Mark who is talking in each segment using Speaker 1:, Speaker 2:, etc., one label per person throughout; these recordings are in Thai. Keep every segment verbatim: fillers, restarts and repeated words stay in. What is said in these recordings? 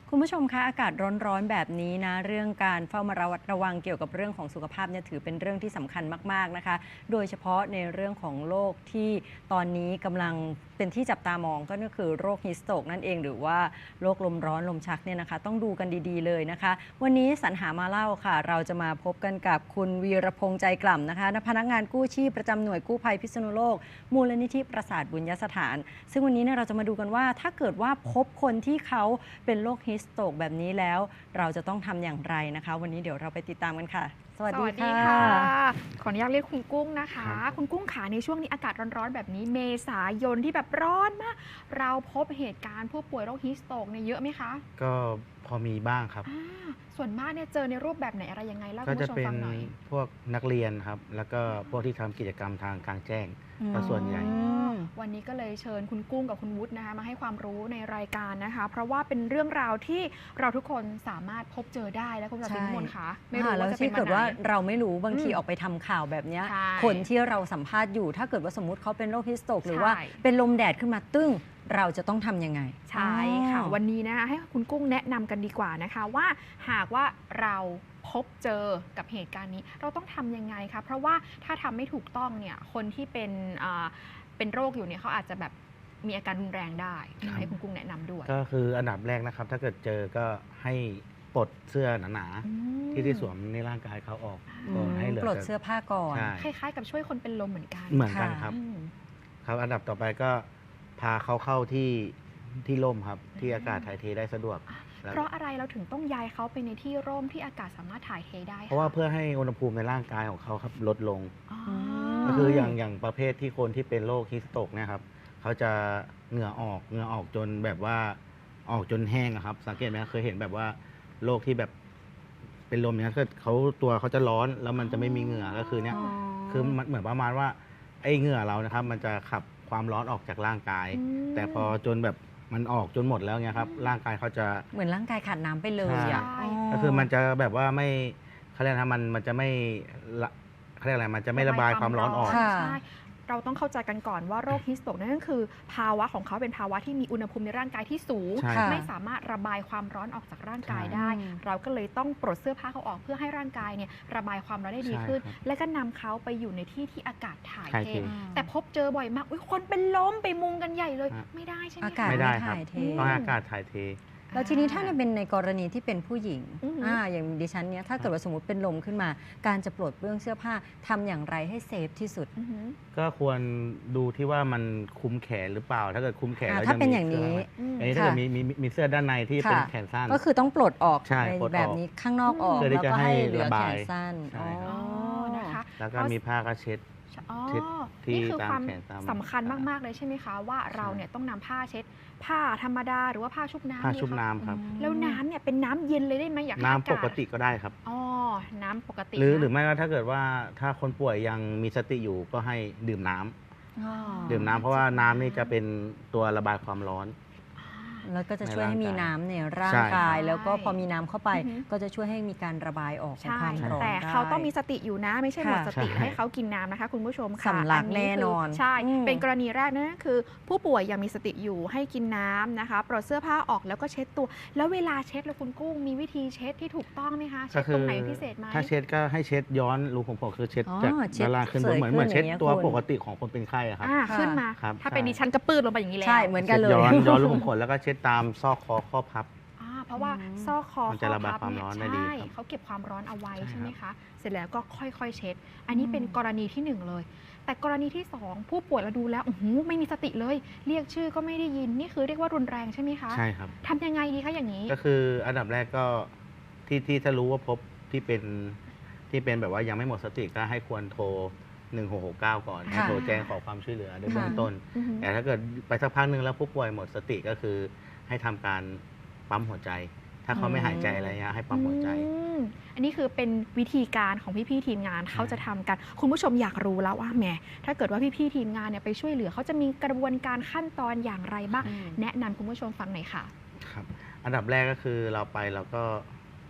Speaker 1: คุณผู้ชมคะอากาศร้อนๆแบบนี้นะเรื่องการเฝ้ามาระวัดระวังเกี่ยวกับเรื่องของสุขภาพเนี่ยถือเป็นเรื่องที่สำคัญมากๆนะคะโดยเฉพาะในเรื่องของโรคที่ตอนนี้กำลังเป็นที่จับตามองก็คือโรคฮิสโตรกนั่นเองหรือว่าโรคลมร้อนลมชักเนี่ยนะคะต้องดูกันดีๆเลยนะคะวันนี้สรรหามาเล่าค่ะเราจะมาพบกันกับคุณวีรพงษ์ใจกล่ำนะคะพนักงานกู้ชีพประจำหน่วยกู้ภัยพิษณุโลกมูลนิธิประสาทบุญยสถานซึ่งวันนี้เนี่ยเราจะมาดูกันว่าถ้าเกิดว่าพบคนที่เขาเป็นโรคฮิสโตรกแบบนี้แล้วเราจะต้องทำอย่างไรนะคะวันนี้เดี๋ยวเราไปติดตามกันค่ะสวัสดีค่ะ
Speaker 2: ขออนุญาตเรียกคุณกุ้งนะคะคุณกุ้งขาในช่วงนี้อากาศร้อนๆแบบนี้เมษายนที่แบบร้อนมากเราพบเหตุการณ์ผู้ป่วยโรคฮิสโตรกเนี่ยเยอะไหมคะ
Speaker 3: ก็พอมีบ้างครับ
Speaker 2: ส่วนมากเนี่ยเจอในรูปแบบไหนอะไรยังไงเล่าคุ
Speaker 3: ก็
Speaker 2: ณ
Speaker 3: จะ
Speaker 2: ผู้ชม
Speaker 3: เป็น
Speaker 2: ฟังหน่อย
Speaker 3: พวกนักเรียนครับแล้วก็พวกที่ทำกิจกรรมทางกลางแจ้งก็ส่วนใหญ่
Speaker 2: วันนี้ก็เลยเชิญคุณกุ้งกับคุณวุฒินะคะมาให้ความรู้ในรายการนะคะเพราะว่าเป็นเรื่องราวที่เราทุกคนสามารถพบเจอได้และคุณผู้ชมคะไม่รู้ว่าจะเป็น
Speaker 1: วันไหนแล้วที่เกิดว่าเราไม่รู้บางทีออกไปทำข่าวแบบนี้คนที่เราสัมภาษณ์อยู่ถ้าเกิดว่าสมมติเขาเป็นโรคฮิสโตรกหรือว่าเป็นลมแดดขึ้นมาตึ้งเราจะต้องทำยังไง
Speaker 2: ใช่ค่ะวันนี้นะคะให้คุณกุ้งแนะนำกันดีกว่านะคะว่าหากว่าเราพบเจอกับเหตุการณ์นี้เราต้องทำยังไงคะเพราะว่าถ้าทำไม่ถูกต้องเนี่ยคนที่เป็นเป็นโรคอยู่เนี่ยเขาอาจจะแบบมีอาการรุนแรงได้ให้คุณกุ้งแนะนำด้วย
Speaker 3: ก็คืออันดับแรกนะครับถ้าเกิดเจอก็ให้ปลดเสื้อหนาๆที่ที่สวมในร่างกายเขาออกก่อนให้เหลือ
Speaker 1: ปลดเสื้อผ้าก่อน
Speaker 2: คล้ายๆกับช่วยคนเป็นลมเหมือนกัน
Speaker 3: เหมือนกันครับครับอันดับต่อไปก็พาเขาเข้าที่ที่ร่มครับที่อากาศถ่ายเทได้สะดวก
Speaker 2: เพราะอะไรเราถึงต้องย้ายเขาไปในที่ร่มที่อากาศสามารถถ่ายเทได้
Speaker 3: เพราะว่าเพื่อให้อุณหภูมิในร่างกายของเขาครับลดลงก็คืออย่างอย่างประเภทที่คนที่เป็นโรคฮิสโตรกเนี่ยครับเขาจะเหงื่อออกเหงื่อออกจนแบบว่าออกจนแห้งครับสังเกตไหมเคยเห็นแบบว่าโรคที่แบบเป็นลมเนี่ยคือเขาตัวเขาจะร้อนแล้วมันจะไม่มีเหงื่อก็คือเนี่ยคือมันเหมือนประมาณว่าไอ้เหงื่อเรานะครับมันจะขับความร้อนออกจากร่างกายแต่พอจนแบบมันออกจนหมดแล้วเนี่ยครับร่างกายเขาจะ
Speaker 1: เหมือนร่างกายขาดน้ำไปเลยอ่ะ
Speaker 3: ก็คือมันจะแบบว่าไม่เขาเรียกนะมันมันจะไม่เขาเรียกอะไรมันจะไม่ระบายความร้อนออก
Speaker 2: เราต้องเข้าใจกันก่อนว่าโรคฮิสโตรกนั่นก็คือภาวะของเขาเป็นภาวะที่มีอุณหภูมิในร่างกายที่สูงไม่สามารถระบายความร้อนออกจากร่างกายได้เราก็เลยต้องปลดเสื้อผ้าเขาออกเพื่อให้ร่างกายเนี่ยระบายความร้อนได้ดีขึ้นและก็นำเขาไปอยู่ในที่ที่อากาศถ่ายเทแต่พบเจอบ่อยมากคนเป็นลมไปมุงกันใหญ่เลยไม่ได้ใช่ไหม
Speaker 1: อากาศไม่ถ่ายเท
Speaker 3: ต้องอากาศถ่ายเท
Speaker 1: แล้วทีนี้ถ้าเป็นในกรณีที่เป็นผู้หญิงอ่าอย่างดิฉันเนี้ยถ้าเกิดว่าสมมติเป็นลมขึ้นมาการจะปลดเปลื้องเสื้อผ้าทำอย่างไรให้เซฟที่สุด
Speaker 3: ก็ควรดูที่ว่ามันคุมแขนหรือเปล่าถ้าเกิดคุมแขนแล้ว
Speaker 1: ถ้าเป็นอย่างนี้
Speaker 3: อันนี้ถ้าเกิดมีมีมีเสื้อด้านในที่เป็นแขนสั้น
Speaker 1: ก็คือต้องปลดออกในแบบนี้ข้างนอกออกแล้วก็ให้เหลือแขนสั้น
Speaker 2: นะคะ
Speaker 3: แล้วก็มีผ้ากระเช็ด
Speaker 2: นี่คือความสำคัญมากๆเลยใช่ไหมคะว่าเราเนี่ยต้องนำผ้าเช็ดผ้าธรรมดาหรือว่าผ้าชุบน้ำ
Speaker 3: ผ้าชุบน้ำครับ
Speaker 2: แล้วน้ำเนี่ยเป็นน้ำเย็นเลยได้ไหมอยาก
Speaker 3: น้ำปกติก็ได้ครับ
Speaker 2: อ๋อน้ำปกติ
Speaker 3: หรือหรือไม่ว่าถ้าเกิดว่าถ้าคนป่วยยังมีสติอยู่ก็ให้ดื่มน้ำดื่มน้ำเพราะว่าน้ำนี่จะเป็นตัวระบายความร้อน
Speaker 1: แล้วก็จะช่วยให้มีน้ำในร่างกายแล้วก็พอมีน้ำเข้าไปก็จะช่วยให้มีการระบายออกของความร้อน
Speaker 2: แต่เขาต้องมีสติอยู่นะไม่ใช่หมดสติให้เขากินน้ำนะคะคุณผู้ชมค่ะ
Speaker 1: สำลักแน่นอน
Speaker 2: ใช่เป็นกรณีแรกนั่นก็คือผู้ป่วยยังมีสติอยู่ให้กินน้ำนะคะปลดเสื้อผ้าออกแล้วก็เช็ดตัวแล้วเวลาเช็ดแล้วคุณกุ้งมีวิธีเช็ดที่ถูกต้องไหมคะเช็ดตรงไหนพิเศษไหม
Speaker 3: ถ้าเช็ดก็ให้เช็ดย้อนรูผมผมคือเช็ดจากด้านล่างขึ้นเหมือนเหมือนเช็ดตัวปกติของคนเป็นไข้ครับ
Speaker 2: ขึ้นมาถ้าเป็นดิฉันกระปื้ดลงไปอย่างนี้แล้ว
Speaker 1: ใช่เหมือนกันเลย
Speaker 3: ย้อนย้อนรูผมขนแล้วก็เช็ดตามซอกคอข้อพับ
Speaker 2: เพราะว่าซอกคอ
Speaker 3: มันจะระบายความร้อนได้ดี
Speaker 2: เขาเก็บความร้อนเอาไว้ใช่ไหมคะเสร็จแล้วก็ค่อยๆเช็ดอันนี้เป็นกรณีที่หนึ่งเลยแต่กรณีที่สองผู้ป่วยเราดูแล้วโอ้โหไม่มีสติเลยเรียกชื่อก็ไม่ได้ยินนี่คือเรียกว่ารุนแรงใช่ไหมคะ
Speaker 3: ใช่ครับ
Speaker 2: ทำยังไงดีคะอย่างนี้
Speaker 3: ก็คืออันดับแรกก็ที่ที่ถ้ารู้ว่าพบที่เป็นที่เป็นแบบว่ายังไม่หมดสติก็ให้ควรโทรหนึ่งหกหกเก้าก่อนโทรแจ้งขอความช่วยเหลือในเบื้องต้นแต่ถ้าเกิดไปสักพักหนึ่งแล้วผู้ป่วยหมดสติก็คือให้ทำการปั๊มหัวใจถ้าเขาไม่หายใจอะไรเงี้ยให้ปั๊มหัวใจ
Speaker 2: อันนี้คือเป็นวิธีการของพี่ๆทีมงานเขาจะทำกันคุณผู้ชมอยากรู้แล้วว่าแหมถ้าเกิดว่าพี่ๆทีมงานเนี่ยไปช่วยเหลือเขาจะมีกระบวนการขั้นตอนอย่างไรบ้างแนะนำคุณผู้ชมฟังหน่อยค่ะ
Speaker 3: ครับอันดับแรกก็คือเราไปเราก็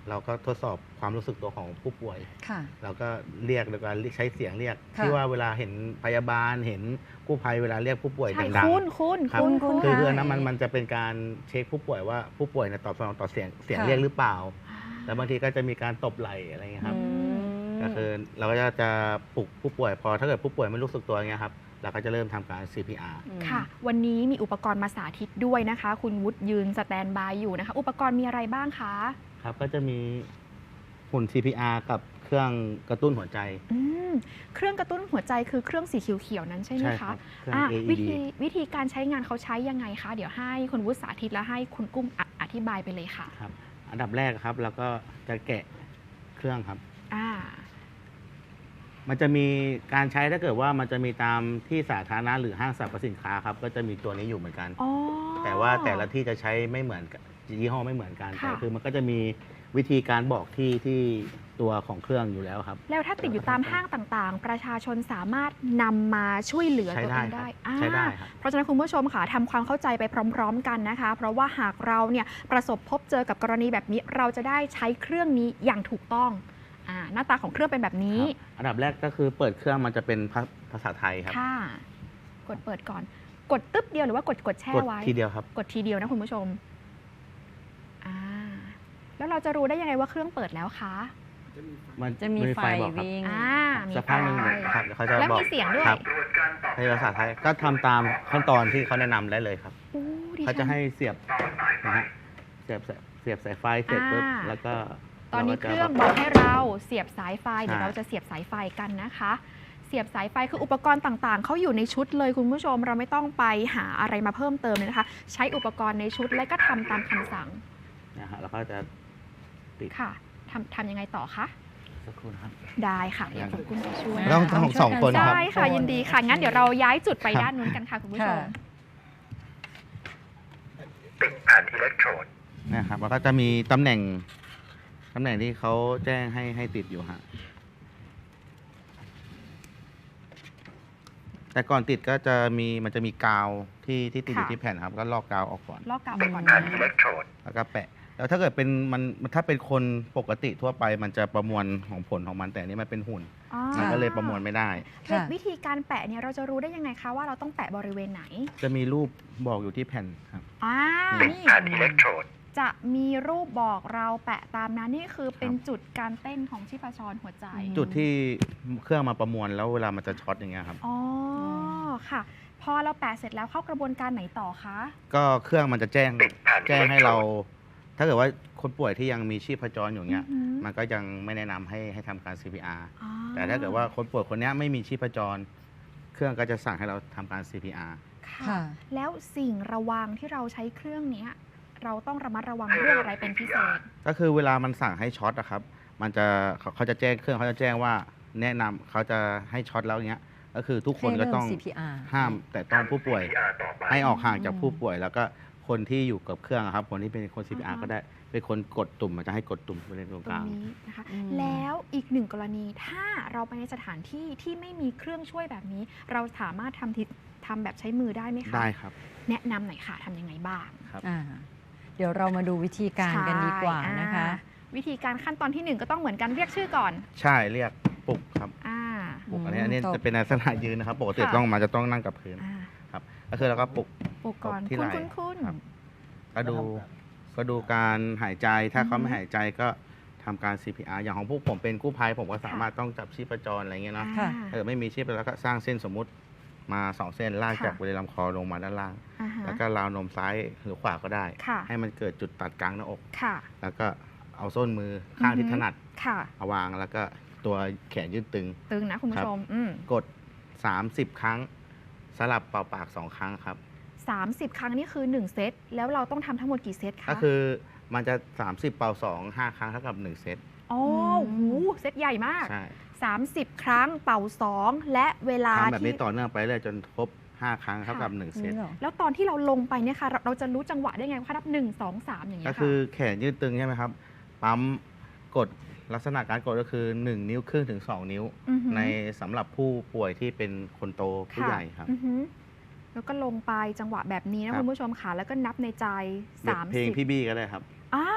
Speaker 3: เราก็ทดสอบความรู้สึกตัวของผู้ป่วย
Speaker 1: ค่ะ
Speaker 3: เราก็เรียกโดยการใช้เสียงเรียก
Speaker 1: ค่ะ
Speaker 3: ที่ว่าเวลาเห็นพยาบาลเห็นกู้ภัยเวลาเรียกผู้ป่วย
Speaker 2: ใช่
Speaker 3: ดัง
Speaker 2: คุณคุณ
Speaker 3: ๆครับ
Speaker 2: คุณคุณ
Speaker 3: คือ
Speaker 1: ค่ะ
Speaker 3: คืออันนั้นมันมันจะเป็นการเช็คผู้ป่วยว่าผู้ป่วยเนี่ยตอบสนองต่อเสียงเสียง
Speaker 1: ค่ะ
Speaker 3: เรียกหรือเปล่า แล้วบางทีก็จะมีการตบไหล่อะไรเงี้ยครับ
Speaker 1: อืม
Speaker 3: ก็คือเราก็จะจะปลุกผู้ป่วยพอถ้าเกิดผู้ป่วยไม่รู้สึกตัวเงี้ยครับเราก็จะเริ่มทำการ ซี พี อาร์
Speaker 2: ค่ะ วันนี้มีอุปกรณ์มาสาธิตด้วยนะคะ คุณวุฒิยืนสแตนบายอยู่นะคะ อุปกรณ์มีอะไรบ้างคะ
Speaker 3: ครับก็จะมีหุ่น ซี พี อาร์ กับเครื่องกระตุ้นหัวใจ
Speaker 2: อืมเครื่องกระตุ้นหัวใจคือเครื่องสีเขียวๆนั้นใช่ไหม
Speaker 3: ใช่ค
Speaker 2: คะ
Speaker 3: รับเครื่อง
Speaker 2: อ่ะ
Speaker 3: เอ อี
Speaker 2: วิ
Speaker 3: ดี
Speaker 2: ธีวิธีการใช้งานเขาใช้ยังไงคะ เดี๋ยวให้คุณวุฒิสาธิตและให้คุณกุ้งออธิบายไปเลยค่ะ
Speaker 3: ครับอันดับแรกครับเราก็จะแกะเครื่องครับ
Speaker 2: อ่า
Speaker 3: มันจะมีการใช้ถ้าเกิดว่ามันจะมีตามที่สาธารณะหรือห้างสรรพสินค้าครับก็จะมีตัวนี้อยู่เหมือนกัน
Speaker 2: อ๋อ
Speaker 3: แต่ว่าแต่ละที่จะใช้ไม่เหมือนกันยี่ห้อไม่เหมือนกัน
Speaker 2: ค่ะ
Speaker 3: แต่คือมันก็จะมีวิธีการบอกที่ที่ตัวของเครื่องอยู่แล้วครับ
Speaker 2: แล้วถ้าติดอยู่ตามห้างต่างๆ ประชาชนสามารถนำมาช่วยเหลือ
Speaker 3: ใช้
Speaker 2: ตัว
Speaker 3: ได้
Speaker 2: เอง
Speaker 3: ครั
Speaker 2: ได้
Speaker 3: บ
Speaker 2: อ่า
Speaker 3: ใช้ได้ครับ
Speaker 2: เพราะฉะนั้นคุณผู้ชมค่ะทำความเข้าใจไปพร้อม ๆ กันนะคะ เพราะว่าหากเราเนี่ยประสบพบเจอกับกรณีแบบนี้ เราจะได้ใช้เครื่องนี้อย่างถูกต้องอ่าหน้าตาของเครื่องเป็นแบบนี้
Speaker 3: ครับอันดับแรกก็คือเปิดเครื่องมันจะเป็นภาภาษาไทยครับ
Speaker 2: ค่ะ กดเปิดก่อน กดตึ๊บเดียวหรือว่ากดกดแช่
Speaker 3: กด
Speaker 2: ไว้
Speaker 3: ทีเดียวครับ
Speaker 2: กดทีเดียวนะคุณผู้ชมอ่าแล้วเราจะรู้ได้ยังไงว่าเครื่องเปิดแล้วคะ
Speaker 3: มัน
Speaker 1: จะมีไฟ
Speaker 3: บอกครับ
Speaker 1: วิ่ง
Speaker 2: อ่ามี
Speaker 3: สักพักหนึ่ง
Speaker 2: ไฟ
Speaker 3: ครับเดี๋ยวเขาจะ
Speaker 2: แล้ว
Speaker 3: บอก
Speaker 2: มีเสียงด้วย
Speaker 3: ครับในภาษาไทยก็ทำตามขั้นตอนที่เขาแนะนำได้เลยครับ
Speaker 2: โอ้ดิ
Speaker 3: เขา
Speaker 2: ฉั
Speaker 3: จะ
Speaker 2: น
Speaker 3: ให้เสียบนะฮะเสียบเสียบสายไฟเสร็จปุ๊บ
Speaker 2: อ่า
Speaker 3: แล้วก็
Speaker 2: ตอนนี้
Speaker 3: า
Speaker 2: เค
Speaker 3: ก็จะ
Speaker 2: รื่องบอกให้เราเสียบสายไฟเดี๋ยว
Speaker 3: ใช่
Speaker 2: เราจะเสียบสายไฟกันนะคะ เสียบสายไฟคืออุปกรณ์ต่างๆเขาอยู่ในชุดเลยคุณผู้ชมเราไม่ต้องไปหาอะไรมาเพิ่มเติมเลยนะคะ ใช้อุปกรณ์ในชุดและก็ทำตามคำสั่ง
Speaker 3: นะฮะแล้วก็จะติด
Speaker 2: ค่ะทำทำยังไงต่อคะ
Speaker 3: สักครู่นะครับ
Speaker 2: ได้ค่ะเดี๋ยวคุณกุ้งจะช่วย
Speaker 3: ต้องต้องสองคนครับ
Speaker 2: ได้ค่ะยินดีค่ะงั้นเดี๋ยวเราย้ายจุดไป
Speaker 3: ครับ
Speaker 2: ด้านนู้นกันค่ะคุณผู้ชม
Speaker 1: ค่ะ
Speaker 4: ติดแผ่นอิเล็กโทรด
Speaker 3: นะครับแล้วก็จะมีตำแหน่งตำแหน่งที่เขาแจ้งให้ให้ติดอยู่ฮะแต่ก่อนติดก็จะมีมันจะมีกาวที่ที่ติดอยู่
Speaker 2: ค่ะ
Speaker 3: ที่แผ่นครับก็ลอกกาวออกก่อน
Speaker 2: ลอกกาวไปก่อน
Speaker 4: แผ่น
Speaker 2: นะ
Speaker 4: อิเล็กโทรด
Speaker 3: แล้วก็แปะ แล้วถ้าเกิดเป็นมันถ้าเป็นคนปกติทั่วไปมันจะประมวลของผลของมันแต่อันนี้มันเป็นหุ่น
Speaker 2: อ๋อ
Speaker 3: มันก็เลยประมวลไม่ได้
Speaker 1: ค่ะ
Speaker 2: วิธีการแปะเนี่ยเราจะรู้ได้ยังไงคะว่าเราต้องแปะบริเวณไหน
Speaker 3: จะมีรูปบอกอยู่ที่แผ่นครับ
Speaker 2: อ่า
Speaker 4: ติด
Speaker 2: นี่
Speaker 4: แผ่นอิเล็กโทรด
Speaker 2: จะมีรูปบอกเราแปะตามนั้นนี่คือเป็น
Speaker 3: ครับ
Speaker 2: จุดการเต้นของชีพจรหัวใจ
Speaker 1: อืม
Speaker 3: จุดที่เครื่องมาประมวลแล้วเวลามันจะช็อตอย่างเงี้ยครับ
Speaker 2: อ๋อค่ะ พอเราแปะเสร็จแล้วเข้ากระบวนการไหนต่อคะ
Speaker 3: ก็เครื่องมันจะแจ้ง
Speaker 4: ติดแผ่น
Speaker 3: แจ้ง
Speaker 4: อิเล็ก
Speaker 3: ให้
Speaker 4: โทร
Speaker 3: เรา
Speaker 4: ด
Speaker 3: ถ้าเกิดว่าคนป่วยที่ยังมีชีพจรอยู่เงี้ย
Speaker 2: อือหือ
Speaker 3: มันก็ยังไม่แนะนำให้ให้ทำการ ซี พี อาร์
Speaker 2: อ๋อ
Speaker 3: แต่ถ้าเกิดว่าคนป่วยคนเนี้ยไม่มีชีพจร เครื่องก็จะสั่งให้เราทำการ ซี พี อาร์
Speaker 2: ค่ะ
Speaker 1: ค่ะ
Speaker 2: แล้วสิ่งระวังที่เราใช้เครื่องเนี้ยเราต้องระมัดระวังเรื่องอะไรเป็นพิเศษ
Speaker 3: ก็คือเวลามันสั่งให้ช็อตอะครับ มันจะเขาเขาจะแจ้งเครื่องเขาจะแจ้งว่าแนะนำเขาจะให้ช็อตแล้วเงี้ย ก็คือทุกคนก็ต้อง
Speaker 1: ให้เริ่ม ซี พี อาร์
Speaker 3: ห้ามแต่ต้องผู้ป่วย
Speaker 4: ซี พี อาร์ ต่อไป
Speaker 3: ให้ออกห่างจาก
Speaker 1: อืม
Speaker 3: ผู้ป่วย แล้วก็คนที่อยู่กับเครื่องอะครับ คนที่เป็นคน ซี พี อาร์
Speaker 2: อ่าฮะ
Speaker 3: ก็ได้เป็นคนกดตุ่มมันจะให้กดตุ่มบริเวณตรง
Speaker 2: ตร
Speaker 3: ก
Speaker 2: ง
Speaker 3: ลาง
Speaker 2: นี้นะคะ
Speaker 1: อืม
Speaker 2: แล้วอีกหนึ่งกรณีถ้าเราไปในสถานที่ที่ไม่มีเครื่องช่วยแบบนี้ เราสามารถทำทิทำแบบใช้มือได้ไหมคะ
Speaker 3: ได้ครับ
Speaker 2: แนะนำหน่อยค่ะทำยังไงบ้าง
Speaker 3: ครับ
Speaker 1: อ่าเดี๋ยวเรามาดูวิธีการกันดีกว่านะคะ
Speaker 2: ใช่อ่าวิธีการขั้นตอนที่หนึ่งก็ต้องเหมือนกันเรียกชื่อก่อน
Speaker 3: ใช่เรียกปลุกครับ
Speaker 2: อ่า
Speaker 3: ปลุก
Speaker 1: อืม
Speaker 3: อันนี้อันนี้
Speaker 1: จบ
Speaker 3: จะเป็นลักษณะยืนนะครับ ปกติ
Speaker 2: ค่ะ
Speaker 3: ต้องมาจะต้องนั่งกับพื้น
Speaker 2: อ่า
Speaker 3: ครับ ก็คือเราก็ปลุก
Speaker 2: ปลุกก่อน
Speaker 3: ที่
Speaker 2: คุณ
Speaker 3: ไหล่
Speaker 2: คุณคุณ
Speaker 3: ครับ ก็ดูก็ดูการหายใจถ้าเขา
Speaker 2: อือฮึ
Speaker 3: ไม่หายใจก็ทำการ ซี พี อาร์ อย่างของพวกผมเป็นกู้ภัยผมก็สามารถต้องจับชีพจรอะไรเงี้ยเนาะ
Speaker 1: ค่ะ
Speaker 3: ถ้าเกิดไม่มีชีพแล้วก็สร้างเส้นสมมุติมาสองเส้นลาก
Speaker 2: ค่ะ
Speaker 3: จากบริเวณลำคอลงมาด้านล่าง
Speaker 2: อ่าฮะ
Speaker 3: แล้วก็ราวนมซ้ายหรือขวาก็ได้
Speaker 2: ค่ะ
Speaker 3: ให้มันเกิดจุดตัดกลางหน้าอก
Speaker 2: ค่ะ
Speaker 3: แล้วก็เอาส้นมือข้างที่
Speaker 2: อือฮึ
Speaker 3: ถนัด
Speaker 2: ค่ะ
Speaker 3: เอาวางแล้วก็ตัวแขนยืดตึง
Speaker 2: ตึงนะคุณผู้ชมอืม
Speaker 3: กด สามสิบ ครั้ง สลับเป่าปากสองครั้งครับ
Speaker 2: สามสิบครั้งนี่คือหนึ่งเซตแล้วเราต้องทำทั้งหมดกี่เซตคะ
Speaker 3: ก็คือมันจะ สามสิบ เป่าสอง ห้า ครั้งเท่ากับหนึ่งเซต
Speaker 2: อ๋อ
Speaker 1: ม
Speaker 2: โหเซตใหญ่มาก
Speaker 3: ใช่
Speaker 2: สามสิบ ครั้งเป่าสองและเวลา
Speaker 3: ทำแบบ
Speaker 2: ที่
Speaker 3: นี้ต่อเนื่องไปเรื่อยจนครบ ห้า ครั้งเท่ากับหนึ่งเซต
Speaker 1: นี่เหรอ
Speaker 2: แล้วตอนที่เราลงไปเนี่ยค่ะเราเราจะรู้จังหวะได้ไงว่านับหนึ่งสองสามอย่างเงี้
Speaker 3: ก็
Speaker 2: ย
Speaker 3: คือ
Speaker 2: ค่ะ
Speaker 3: แขนยืดตึงใช่ไหมครับ ปั๊มกดลักษณะการกดก็คือ หนึ่ง นิ้วครึ่งถึง สอง นิ้ว
Speaker 2: อือหือ
Speaker 3: ในสำหรับผู้ป่วยที่เป็นคนโตผู้
Speaker 2: ค่ะ
Speaker 3: ใหญ่ครับ
Speaker 2: อือหือแล้วก็ลงไปจังหวะแบบนี้
Speaker 3: ครั
Speaker 2: นะ
Speaker 3: บ
Speaker 2: คุณผู้ชมค่ะแล้วก็นับในใจ
Speaker 3: แบบ
Speaker 2: สาม
Speaker 3: เพลง
Speaker 2: สิบ
Speaker 3: พี่บี้ก็ได้ครับ
Speaker 2: อ่า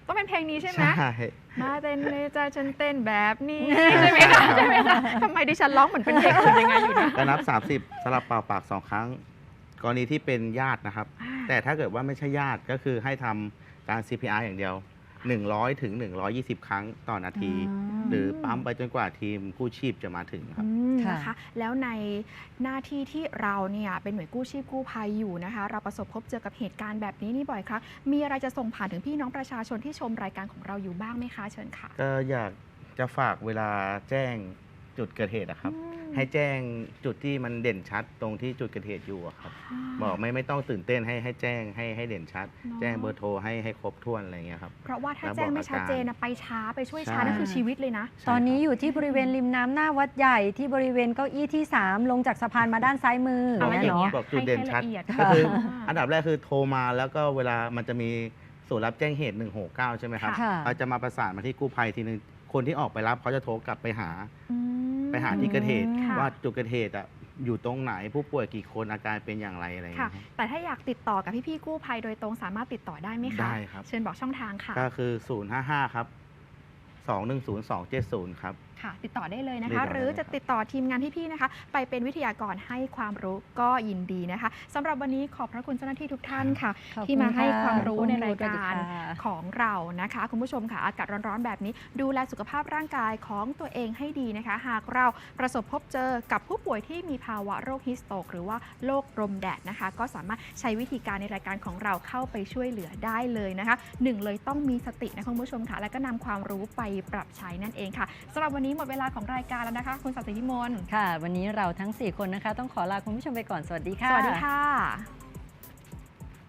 Speaker 2: ต้องเป็นเพลงนี้ใช่ไหม
Speaker 3: ใช่
Speaker 2: มาเต้นในใจฉันเต้นแบบนี้ใช่ไหมคะใช่ไหมคะทำไมดิฉันร้องเหมือนเป็นเพลงอื่นยังไงอยู่นะ
Speaker 3: ก็นับ สามสิบสลับเป่าปากสองครั้ง กรณีที่เป็นญาตินะครับ แต่ถ้าเกิดว่าไม่ใช่ญาติก็คือให้ทำการ ซี พี อาร์ อย่างเดียว หนึ่งร้อยถึงหนึ่งร้อยยี่สิบ ครั้งต่อนาที
Speaker 1: อืม
Speaker 3: หรือปั๊มไปจนกว่าทีมกู้ชีพจะมาถึงครับ
Speaker 2: อืม
Speaker 1: ค่ะ
Speaker 2: นะคะแล้วในหน้าที่ที่เราเนี่ยเป็นหน่วยกู้ชีพกู้ภัยอยู่นะคะ เราประสบพบเจอกับเหตุการณ์แบบนี้นี่บ่อยครั้งมีอะไรจะส่งผ่านถึงพี่น้องประชาชนที่ชมรายการของเราอยู่บ้างไหมคะเชิญค่ะ
Speaker 3: ก็อยากจะฝากเวลาแจ้งจุดเกิดเหตุนะครับ
Speaker 2: อืม
Speaker 3: ให้แจ้งจุดที่มันเด่นชัดตรงที่จุดเกิดเหตุอยู่อะครับ
Speaker 2: อ่า
Speaker 3: บอกไม่ไม่ต้องตื่นเต้นให้ให้แจ้งให้ให้เด่นชัด
Speaker 2: เนอะ
Speaker 3: แจ้งเบอร์โทรให้ให้ครบถ้วนอะไรอย่างเงี้ยครับ
Speaker 2: เพราะว่าถ้า
Speaker 3: แล้ว
Speaker 2: แจ้ง
Speaker 3: บอก
Speaker 2: ไม่ชัดเจน
Speaker 3: อาการ
Speaker 2: นะไปช้าไปช่วยช้า
Speaker 3: ใช่
Speaker 2: นั่นคือชีวิตเลยนะ
Speaker 1: ตอนนี้
Speaker 3: ใช่ครับ
Speaker 1: อยู่ที่บริเวณริมน้ำหน้าวัดใหญ่ที่บริเวณเก้าอี้ที่ สาม ลงจากสะพานมาด้านซ้ายมือ
Speaker 2: เอา
Speaker 1: อย่าง
Speaker 2: อ
Speaker 1: เงี้ย
Speaker 2: ย่าง
Speaker 1: เนาะ
Speaker 2: เงี้ย
Speaker 3: บอกจุดเด่นชัด
Speaker 2: ให้ละเอียด
Speaker 3: ก็คือ
Speaker 2: ค่ะ
Speaker 3: อันดับแรกคือโทรมาแล้วก็เวลามันจะมีศูนย์รับแจ้งเหตุหนึ่งหกเก้าใช่ไหมครับ
Speaker 1: ค่ะ
Speaker 3: เราจะมาประสานมาที่กู้ภัยทีนึงคนที่ออกไปรับเขาจะโทรกลับไปหา
Speaker 2: อืม
Speaker 3: ไปหาที่เกิดเหตุ
Speaker 2: ค่ะ
Speaker 3: ว่าจุดเกิดเหตุอะอยู่ตรงไหนผู้ป่วยกี่คนอาการเป็นอย่างไรอะไรอย่าง
Speaker 2: ค่ะ
Speaker 3: เงี้ยครับ
Speaker 2: แต่ถ้าอยากติดต่อกับพี่ๆกู้ภัยโดยตรงสามารถติดต่อได้ไหมคะ
Speaker 3: ได้ครับ
Speaker 2: เชิญบอกช่องทางค่ะ
Speaker 3: ก็คือ ศูนย์ ห้า ห้า ครับ สอง หนึ่ง ศูนย์ สอง เจ็ด ศูนย์ ครับ
Speaker 2: ค่ะ ติดต่อได้เลยนะ
Speaker 3: ติด
Speaker 2: คะ
Speaker 3: ต่อได้
Speaker 2: หรือ
Speaker 3: เลย
Speaker 2: จะ
Speaker 3: ครับ
Speaker 2: ติดต่อทีมงานพี่ๆนะคะ ไปเป็นวิทยากรให้ความรู้ก็ยินดีนะคะสำหรับวันนี้ขอบพระคุณเจ้าหน้าที่ทุกท่านค่ะ
Speaker 1: ขอบคุณ
Speaker 2: ที่มาให้
Speaker 1: ค่ะ
Speaker 2: ความรู้ในราย
Speaker 1: ขอบคุณ
Speaker 2: การ
Speaker 1: ค่ะ
Speaker 2: ของเรานะคะ คุณผู้ชมค่ะอากาศร้อนๆแบบนี้ ดูแลสุขภาพร่างกายของตัวเองให้ดีนะคะ หากเราประสบพบเจอกับผู้ป่วยที่มีภาวะโรคฮิสโตกหรือว่าโรคลมแดดนะคะ ก็สามารถใช้วิธีการในรายการของเราเข้าไปช่วยเหลือได้เลยนะคะหนึ่งเลยต้องมีสตินะคุณผู้ชมค่ะ แล้วก็นำความรู้ไปปรับใช้นั่นเองค่ะสำหรับวันนี้หมดเวลาของรายการแล้วนะคะ คุณศักดิ์สิทธิพิมล
Speaker 1: ค่ะ วันนี้เราทั้ง สี่ คนนะคะ ต้องขอลาคุณผู้ชมไปก่อน สวัสดีค่ะ
Speaker 2: สวัสดีค่ะ